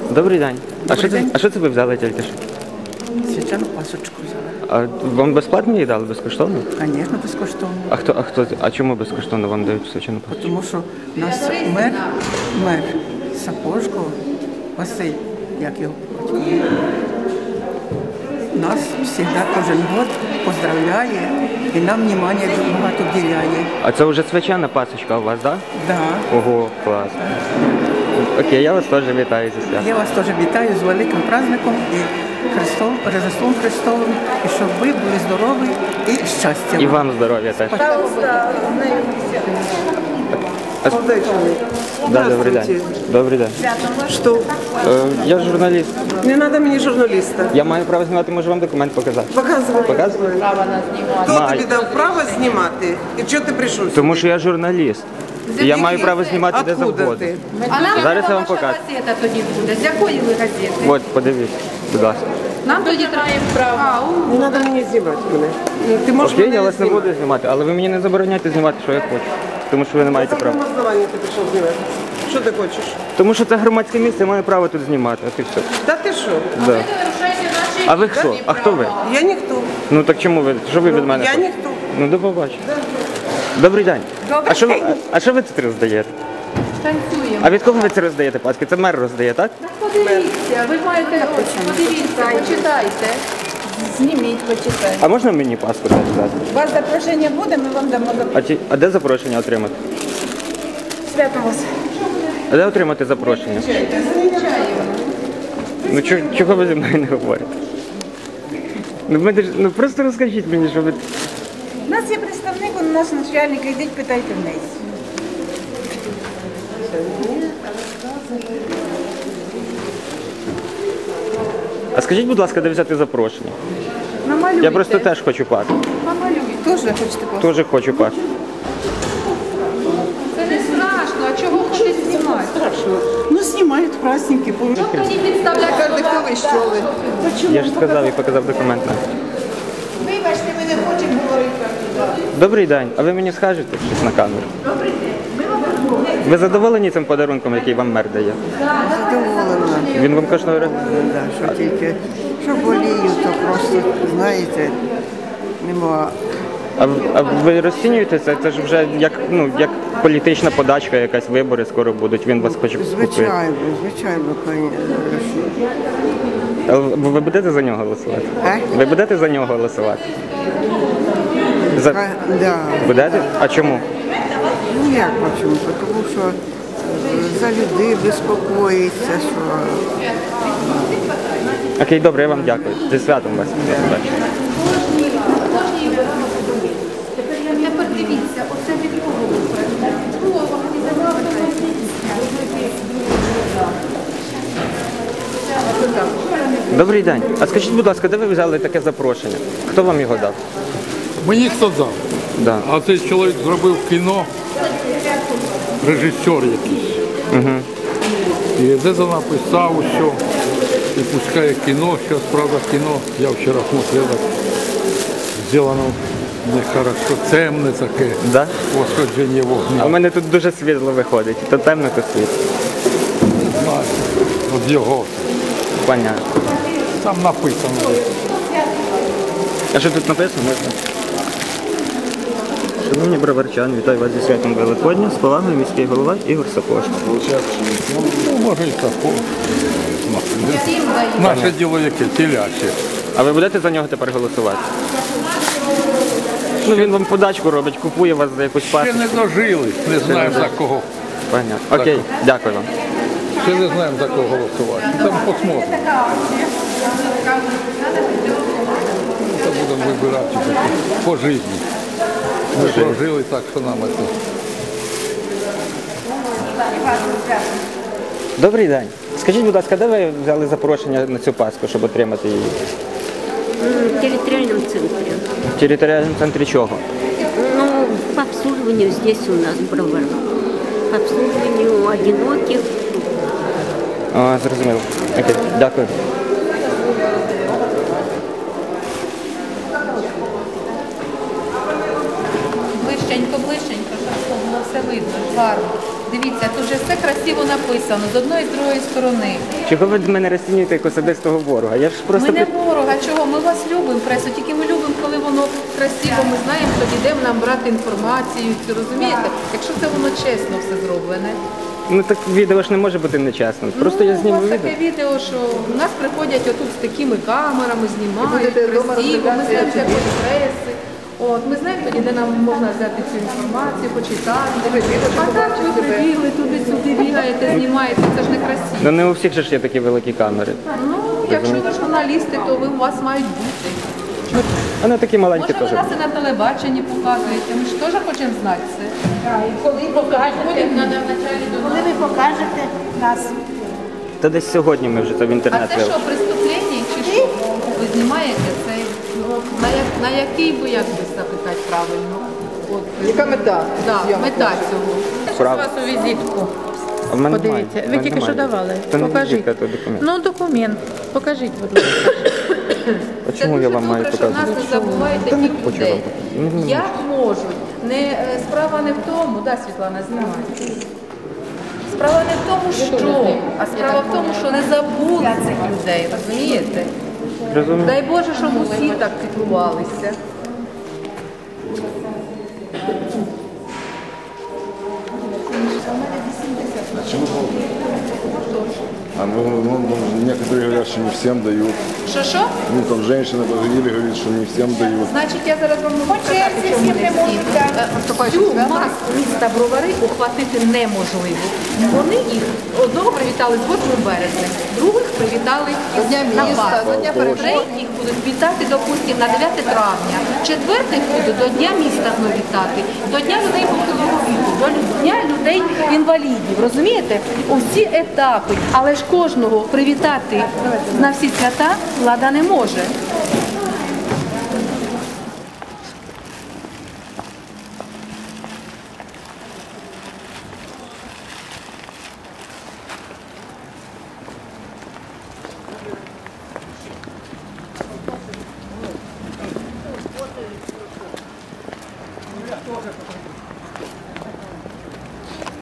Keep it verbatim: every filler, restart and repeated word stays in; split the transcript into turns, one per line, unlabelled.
Добрий день. А
Добрий
що це,
день.
а що це ви взяли тільки що?
Свячану пасочку взяла.
А вам безплатно її дали, безкоштовно?
Звісно, безкоштовно.
А хто, а хто, а чому безкоштовно вам дають свячену пасочку?
Тому що у нас мер, мер Сапожко, Василь, як його батько, нас завжди кожен год поздравляє і нам внимання багато вділяє.
А це вже свячена пасочка у вас, так?
Да.
Да? Ого, клас. Окей, я вас теж вітаю зі святом.
Я вас теж вітаю з великим праздником і Христом, Рождеством Христовим, і щоб ви були здорові і щастя.
І вам здоров'я теж. А... Да, добрий день. Добрий день.
Что?
Е, я журналіст.
Не надо мне журналиста.
Я маю право знімати, можу вам документ показати.
Показывай.
Показую?
Хто
Маю.
тобі дав право знімати? І чого ти прийшов сюди?
Тому що я журналіст. І я маю право знімати де
Откуда
завгодно.
ти?
А нам
Зараз я вам
ваша
покажу.
газета тоді буде. З якої ви газети?
От, подивіться, будь ласка.
Нам тоді треба право. А, у,
Не треба мені знімати мене. Ну, Ти можеш
Окей,
мене
я вас не
знімати.
буду знімати, але ви мені не забороняйте знімати, що я хочу. Тому що ви не маєте
На
права.
якому основанні ти прийшов знімати? Що ти хочеш?
Тому що це громадське місце, я маю право тут знімати, от і все.
Та ти що?
Да.
ви нарушаєте наші
А ви хто? А хто ви?
Я ніхто.
Ну так чому ви? Що ви від мене?
Я
хочете?
ніхто.
Ну до побачення. Добрий день.
Добрий
А що ви,
день.
а що ви тут роздаєте?
танцюємо.
А від кого ви це роздаєте, паски? Це мер роздає, так?
Подивіться, ви маєте, подивіться, почитайте. Зніміть, почитайте.
А можна мені паску теж дати?
У вас запрошення буде, ми вам дамо запрошення.
А, ті, а де запрошення отримати?
Свято вас.
А де отримати запрошення? Ну чого, чого ви зі мною не говорите? Ну, мене ж- ну просто розкажіть мені, що ви...
У нас є представник, у нас начальник, йдіть, питайте в неї.
А скажіть, будь ласка, де взяти запрошення?
Намалюйте.
Я просто теж хочу паску.
Намалюйте. Теж хочете паску?
Теж хочу паску.
Це не страшно, а чого хочуть знімати?
Ну, знімають праздники.
Що тоді підставляти?
Я ж сказав і показав документ. на.
Вибачте, ми не хочемо говорити.
Добрий день. А ви мені скажете щось на камеру? Добрий день. Ви задоволені цим подарунком, який вам мер дає?
Задоволена.
Він вам коштує?
Да, що тільки, що болію, то просто, знаєте, нема.
А, в- а ви розцінюєте це? Це ж вже як, ну, як політична подачка, якась вибори скоро будуть. Він вас хоче купити.
Звичайно, звичайно, звісно.
А ви ви будете за нього голосувати?
А?
Ви будете за нього голосувати? За...
Да.
Будете? А чому?
Ну як почему? Тому що е, за людей безпокоїться, що
Окей, добре, я вам дякую. Зі святом вас. До побачення.
Тепер дивіться, оце від кого ви
Добрий день. А скажіть, будь ласка, де ви взяли таке запрошення? Хто вам його дав?
Мені хто дав?
Да.
А цей чоловік зробив кіно, режисер якийсь. Угу. І де то написав, що і пускає кіно, зараз, правда, кіно, я вчора смотрел, так, зроблено нехорошо, темне таке,
Да?
восходження
А в
вогню.
мене тут дуже світло виходить. То темно, то світло.
Не знаю, от його.
Понятно.
Там написано.
А що тут написано? Можна? Шановні броварчани, вітаю вас зі святом Великодня. З повагою міський голова Ігор Сапожко.
Ну, може і такого. Наше діло яке, теляче.
А ви будете за нього тепер голосувати? Ну він вам подачку робить, купує вас за якусь
Ще
пасочку.
не дожили, не знаємо за кого.
Понятно. Окей, дякую вам.
Ще не знаємо за кого голосувати. Там посмотримо. Це будемо вибирати по житті. Ми прожили так, що нам це.
Добрий день. Скажіть, будь ласка, де ви взяли запрошення на цю паску, щоб отримати її?
В территориальном центре.
В територіальному центрі чого?
Ну, по обслуживанию здесь у нас Бровар. По обслуживанию одиноких.
А, зрозуміло. Окей, дякую.
Ближченько, ближченько, щоб було все видно, гарно. Дивіться, тут же все красиво написано, з одної і з другої сторони.
Чого ви мене розцінюєте як особистого ворога? Я ж просто
Ми не
пи-
ворога, чого? Ми вас любимо, пресу, тільки ми любимо, коли воно красиво, ми знаємо, тоді де нам брати інформацію, цю, розумієте? Якщо це воно чесно все зроблене.
ну так відео ж не може бути нечесним. Просто
ну,
я зніму
у вас
відео.
таке відео, що в нас приходять отут з такими камерами, знімають,
будете вдома
красиво, ми
роздивлятися,
знаємо
як
всякої
тобі.
преси. От, ми знаємо тоді, де нам можна взяти цю інформацію, почитати. А так ви прибігли, туди-сюди бігаєте, знімаєте, це ж не красиво.
Ну не у всіх же ж є такі великі камери.
Ну, якщо ви журналісти, то ви у вас мають бути.
Вони такі маленькі
Може, ви
теж.
нас і на телебаченні показуєте, ми ж теж хочемо знати це.
Коли покажете,
Ходять на началі до
коли
нас.
ви покажете нас.
Та десь сьогодні ми вже це в
А
інтернет
це
вели.
що, преступлення чи що? Ви знімаєте це? На, як, на який би, як би запитати правильно? От,
Яка мета?
да,
зйомки?
мета цього. Я
Прав-
щас вас у візитку.
А в мене
Подивіться,
немає. В
ви
мене
тільки що
немає.
давали.
Це не
Покажіть.
візитка, то документ.
Ну, документ. Покажіть, будь ласка.
А
Це
чому
дуже
я вам маю
добре, що в нас
показувати?
не забувають
Та не
таких
хочу
людей.
вам показувати. Ну, не
Як можуть? Не, е, справа не в тому, да, Світлана, знімає. Справа не в тому, що, а справа в тому, що не забули цих людей, розумієте?
Розумію.
Дай Боже, щоб усі так піклувалися.
А ну, ну, ну, некоторые говорят, что не всем дают.
Що що?
Ну, там женщина позвонили, говорит, что не всем дают.
Значить, я зараз вам можу сказати,
черзі
чому
всім
не
не
всі.
можуть дати.
Е, Всю масу міста Бровари ухватити неможливо. Вони їх одного привітали з восьмим березня, других привітали
До Дня
на
міста,
вас.
до Дня перемоги.
Третіх будуть вітати, допустимо, на дев'яте травня. Четвертих будуть до Дня міста знову вітати, до Дня людей похилого віку, до Дня людей інвалідів. Розумієте? Усі етапи. Але ж кожного привітати на всі свята влада не може.